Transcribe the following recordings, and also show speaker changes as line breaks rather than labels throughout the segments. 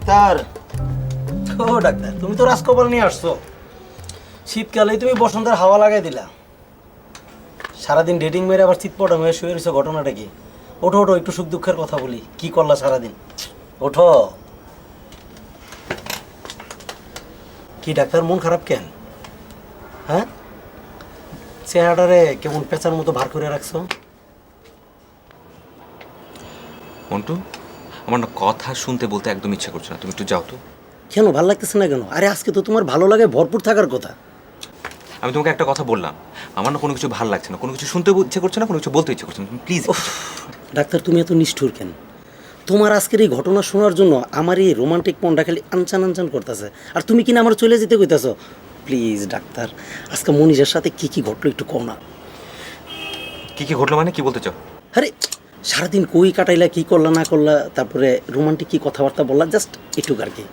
Doctor, ও doctor, তুমি তো রাজকপাল নিয়ে আসছো। শীতকালেই তুমি বসন্তের হাওয়া লাগাই দিলা। সারাদিন ডেটিং মেরে আবার চিৎপটা মেয়ে শুয়ে রয়েছে, ঘটনাটা কি? ওঠো ওঠো, একটু সুখ দুঃখের কথা বলি। কি করলা সারাদিন? ওঠো। কি ডাক্তার, মন খারাপ কেন? হ্যাঁ, চেহারাটারে কেমন পেঁচার মতো ভার করে রাখছো।
মন্টু, আমার না কথা শুনতে বলতে একদম ইচ্ছে করছে না, তুমি একটু যাও তো।
কেন ভাল লাগতেছে না কেন? আরে আজকে তো তোমার ভালো লাগে ভরপুর থাকার কথা।
আমি তোমাকে একটা কথা বললাম, আমার না কোনো কিছু ভালো লাগছে না, কোনো কিছু শুনতে ইচ্ছে করছে না, কোনো কিছু বলতে ইচ্ছে করছে না, প্লিজ।
ডাক্তার, তুমি এত নিষ্ঠুর কেন? তোমার আজকের এই ঘটনা শোনার জন্য আমার এই রোমান্টিক মনটা খালি আনচান আনচান করতেছে, আর তুমি কিনা আমার চলে যেতে কইতাছো। প্লিজ ডাক্তার, আজকে মনীষের সাথে কি কি ঘটলো একটু কও না।
কি কি ঘটলো মানে কি বলতে চাও?
আরে সারাদিন কই কাটাইলা, কি করলা না করলা, তারপরে রোমান্টিক কি কথাবার্তা বললা, জাস্ট একটু আর কি।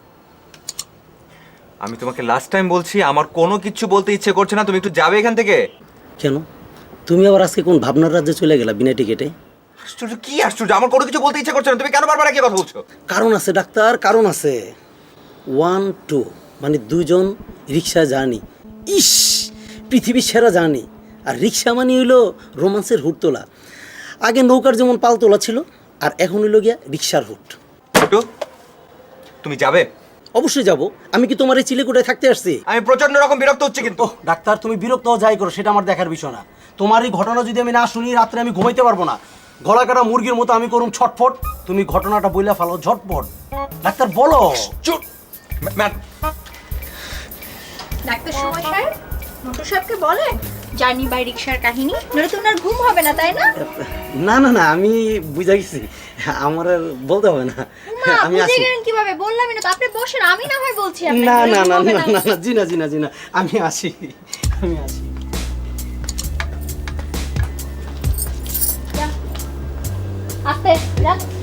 আমি তোমাকে লাস্ট টাইম বলছি, আমার কোনো কিছু বলতে ইচ্ছে করছে না, তুমি একটু যাবে এখান থেকে।
কেন তুমি আবার আজকে কোন ভাবনার রাজ্যে চলে গেলা বিনা টিকেটে?
আশ্চর্য, কি আশ্চর্য, আমার কোনো কিছু বলতে ইচ্ছে করছে না, তুমি কেন বারবার একই কথা বলছো?
কারণ আছে ডাক্তার, কারণ আছে। 1 2 মানে দুজন রিক্সা জার্নি, ইস পৃথিবীর সেরা জার্নি। আর রিক্সা মানে হইলো রোমান্সের হুট তোলা। আগে নৌকার যেমন পাল তোলা ছিল, আর এখন হইলো গিয়া রিক্সার হুট।
একটু, তুমি যাবে?
অবশ্যই যাব। আমি কি তোমার এই চিলেকোঠায় থাকতে আসছি?
আমি প্রচন্ড রকম বিরক্ত হচ্ছে কিন্তু।
ওহ ডাক্তার, তুমি বিরক্ত যাই করো, সেটা আমার দেখার বিষয় না। তোমার এই ঘটনা যদি আমি না শুনি, রাত্রে আমি ঘুমাইতে পারবো না। গলা কাটা মুরগির মতো আমি করুম ছটফট। তুমি ঘটনাটা বইলা ফেলো ঝটপট। ডাক্তার বলো।
চুপ ম্যাম।
ডাক্তার সময় সাহেব, মোটর সাহেবকে বলেন জার্নি বাই রিক্সার কাহিনী, নইলে তো ওনার ঘুম হবে না, তাই না?
না না না, আমি বুঝা গেছি, আমার আর বলতে হবে না।
মা,
আমি
বুঝে
আসি।
গেলেন কিভাবে? বললামই না তো, আপনি বসেন, আমি না হয় বলছি আপনাকে।
না না
ঘুম
না
হবে
না না না, জি না জি না জি না, আমি আসি, আমি আসি।
যা। আস্তে, যা।